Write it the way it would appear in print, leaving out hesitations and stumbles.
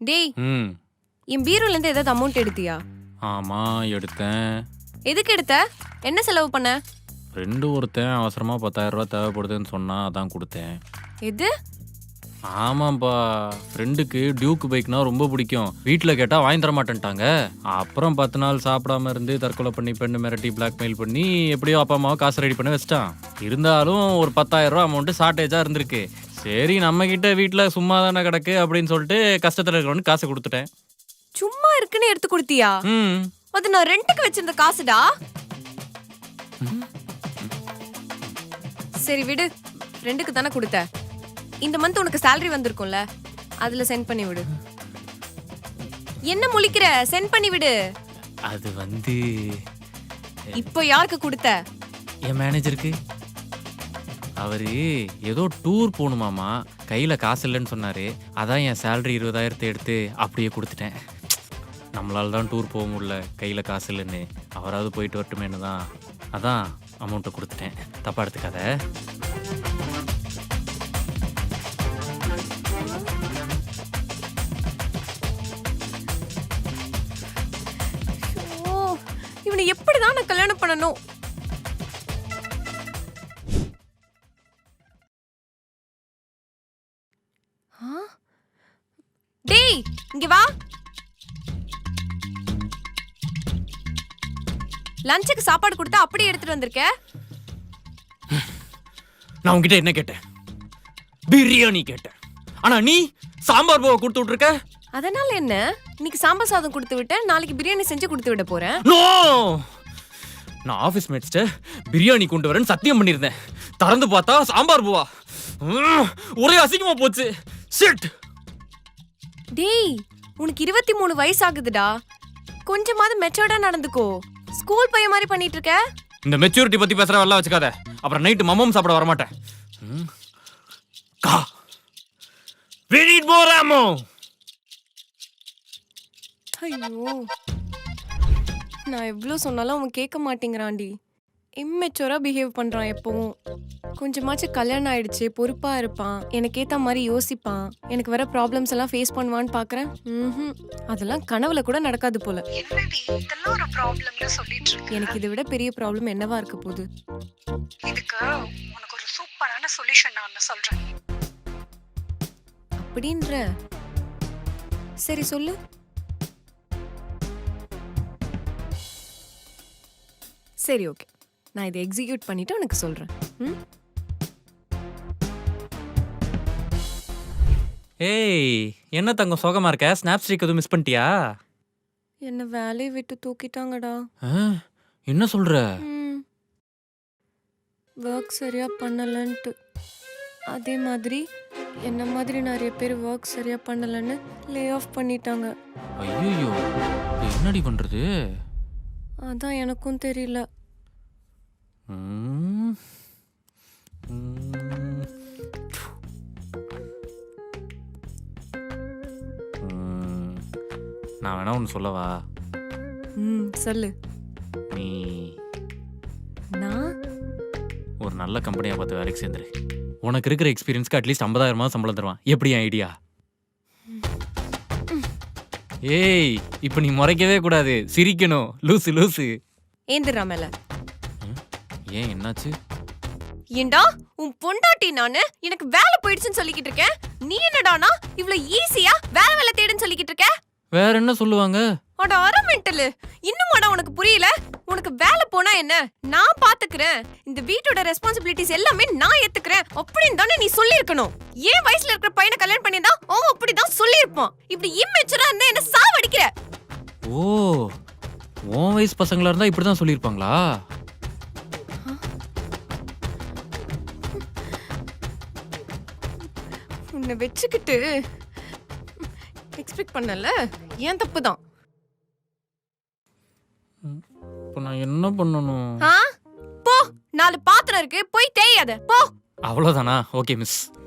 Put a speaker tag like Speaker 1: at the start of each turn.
Speaker 1: டேய்,
Speaker 2: ம்
Speaker 1: என் பீரோல இருந்து ஏதாவது அமௌண்ட் எடுத்தியா?
Speaker 2: ஆமா எடுத்தேன்.
Speaker 1: எதுக்கு எடுத்த? என்ன செலவு பண்ண?
Speaker 2: ஃப்ரெண்டு ஒருத்தன் அவசரமாக 10,000 ரூபா தேவைப்படுதுன்னு சொன்னா அதான் கொடுத்தேன்.
Speaker 1: எது?
Speaker 2: ஆமாப்பா, ஃப்ரெண்டுக்கு டியூக் பைக்னா ரொம்ப பிடிக்கும். வீட்டில் கேட்டால் வாங்கி தர மாட்டேன்ட்டாங்க. அப்புறம் 10 நாள் சாப்பிடாம இருந்து தற்கொலை பண்ணி பெண்ணு மிரட்டி பிளாக்மெயில் பண்ணி எப்படியோ அப்பா அம்மாவை காசு ரெடி பண்ணி வச்சிட்டான். இருந்தாலும் ஒரு 10,000 ரூபா அமௌண்ட்டு ஷார்ட்டேஜாக இருந்திருக்கு. சரி நம்மக்கிட்ட வீட்டில் சும்மா தானே கிடக்கு அப்படின்னு சொல்லிட்டு கஷ்டத்தில் இருக்கிறவனுக்கு காசு கொடுத்துட்டேன்.
Speaker 1: சும்மா இருக்குன்னு எடுத்து கொடுத்தியா?
Speaker 2: ம்
Speaker 1: அது நான் ரெண்டுக்கு வச்சிருந்த காசுடா. சரி விடு, ரெண்டுக்கு தானே கொடுத்த. இந்த மந்த் உனக்கு salary வந்திருக்கும்ல, அதுல சென்ட் பண்ணி விடு. என்ன முழிக்கிற? சென்ட் பண்ணி விடு.
Speaker 2: அது வந்து
Speaker 1: இப்போ யாருக்கு கொடுத்த?
Speaker 2: என் மேனேஜருக்கு. அவரு ஏதோ டூர் போகணுமாமா, கையில் காசு இல்லைன்னு சொன்னார். அதான் என் சேலரி 20,000 எடுத்து அப்படியே கொடுத்துட்டேன். நம்மளால தான் டூர் போக முடியல, கையில் காசு இல்லைன்னு. அவராவது போயிட்டு வரட்டுமேனு தான் அதான் அமௌண்ட்டை கொடுத்துட்டேன். தப்பா எடுத்துக்காத.
Speaker 1: ஓ, இவனை எப்படிதான் நான் கல்யாணம் பண்ணணும்? டேய், இங்க வா. லஞ்சுக்கு சாப்பாடு கொடுத்தா அப்படியே எடுத்துட்டு வந்திருக்க.
Speaker 2: நான் உங்ககிட்ட என்ன கேட்டேன்? பிரியாணி கேட்டேன். ஆனா நீ சாம்பார் பூவை கொடுத்து விட்டுருக்க.
Speaker 1: அதனால என்ன? இன்னைக்கு சாம்பார் சாதம் கொடுத்து விட்டேன், நாளைக்கு பிரியாணி செஞ்சு கொடுத்து விட போறேன்.
Speaker 2: நோ, நான் ஆஃபீஸ் மேட்ஸ்ட பிரியாணி கொண்டு வரேன்னு சத்தியம் பண்ணியிருந்தேன். திறந்து பார்த்தா சாம்பார் பூவா. ஒரே அசிங்கமா போச்சு. ஷிட்.
Speaker 1: டேய், உனக்கு 23 வயசு ஆகுதுடா. கொஞ்சமாவது மெச்சூர்டா நடந்துக்கோ. ஸ்கூல் பையன் மாதிரி பண்ணிட்டு இருக்க.
Speaker 2: இந்த மெச்சூரிட்டி பத்தி பேசுற வரலாம் வச்சுக்காத. அப்புறம் நைட்டு மமம் சாப்பிட வர மாட்டேன். கா, we need more ammo.
Speaker 1: ஐயோ, நான் எவ்வளவு சொன்னாலும் அவன் கேட்க மாட்டேங்கிறான்டி. இம்மெச்சூரா பிஹேவ் பண்றான் எப்பவும். கொஞ்சமாச்சும் கல்யாணம் ஆயிடுச்சு, பொறுப்பா இருப்பான், எனக்கு ஏத்த மாதிரி யோசிப்பான், எனக்கு வர ப்ராப்ளம்ஸ் எல்லாம் ஃபேஸ் பண்ணுவான்னு பாக்குறேன். அதெல்லாம் கனவுல கூட நடக்காது போல.
Speaker 3: என்னடி இதெல்லாம் ஒரு ப்ராப்ளம்னு சொல்லிட்டு இருக்க?
Speaker 1: எனக்கு இதை விட பெரிய ப்ராப்ளம் என்னவா இருக்க போகுது?
Speaker 3: இதுக்கு உனக்கு ஒரு சூப்பரான சொல்யூஷன் நான் ஒன்னு சொல்றேன்.
Speaker 1: அப்படின்ற? சரி சொல்லு. சரி ஓகே, நான் இதை எக்ஸிக்யூட் பண்ணிட்டு உனக்கு சொல்றேன்.
Speaker 2: ஏய், என்ன தங்கம் சோகமா இருக்க? ஸ்னாப் ஸ்ட்ரீக் எதுவும் மிஸ் பண்ணிட்டியா?
Speaker 1: என்ன வேலையை விட்டு தூக்கிட்டாங்கடா.
Speaker 2: என்ன சொல்ற?
Speaker 1: ஒர்க் சரியா பண்ணலன்ட்டு. அதே மாதிரி என்ன மாதிரி நிறைய பேர் ஒர்க் சரியா பண்ணலன்னு லே ஆஃப் பண்ணிட்டாங்க.
Speaker 2: ஐயோ, என்னடி பண்றது?
Speaker 1: அதான் எனக்கும் தெரியல.
Speaker 2: நான் வேணா ஒன்று சொல்லவா?
Speaker 1: சொல்லு.
Speaker 2: நீ
Speaker 1: நான்
Speaker 2: ஒரு நல்ல கம்பெனியாக பார்த்து வேலைக்கு சேர்ந்துரு. உனக்கு இருக்கிற எக்ஸ்பீரியன்ஸ்க்கு அட்லீஸ்ட் 50,000 சம்பளம் தருவான். எப்படி என் ஐடியா? ஏய், இப்போ நீ முறைக்கவே கூடாது, சிரிக்கணும். லூசு லூசு.
Speaker 1: ஏந்திரா மேல.
Speaker 2: ஏன் என்னாச்சு?
Speaker 1: ஏண்டா உன் பொண்டாட்டி நானு எனக்கு வேலை போயிடுச்சுன்னு சொல்லிக்கிட்டு இருக்கேன். நீ என்னடானா இவ்வளவு ஈஸியா வேலை தேடுன்னு சொல்லிக்கிட்டு இருக்க?
Speaker 2: வேற என்ன சொல்லுவாங்க?
Speaker 1: அட அரை மெண்டலு, இன்னுமாடா உனக்கு புரியல? உனக்கு வேலை போனா என்ன, நான் பாத்துக்கிறேன், இந்த வீட்டோட ரெஸ்பான்சிபிலிட்டிஸ் எல்லாமே நான் ஏத்துக்கிறேன் அப்படின்னு தானே நீ சொல்லியிருக்கணும். ஏன் வயசுல இருக்கிற பையனை கல்யாணம் பண்ணியிருந்தா அவன் அப்படிதான் சொல்லியிருப்பான். இப்படி இம்மெச்சூரா இருந்தா என்ன சாவடிக்கிற?
Speaker 2: ஓ, உன் வயசு பசங்களா இருந்தா இப்படிதான் சொல்லியிருப்பாங்களா?
Speaker 1: உன்னை வச்சுக்கிட்டு எக்ஸ்பெக்ட் பண்ணல, ஏன் தப்பு தான்.
Speaker 2: இப்போ நான் என்ன பண்ணணும்?
Speaker 1: போ, 4 பாத்திரம் இருக்கு, போய் தேயாத போ.
Speaker 2: அவ்வளோதானா? Okay miss.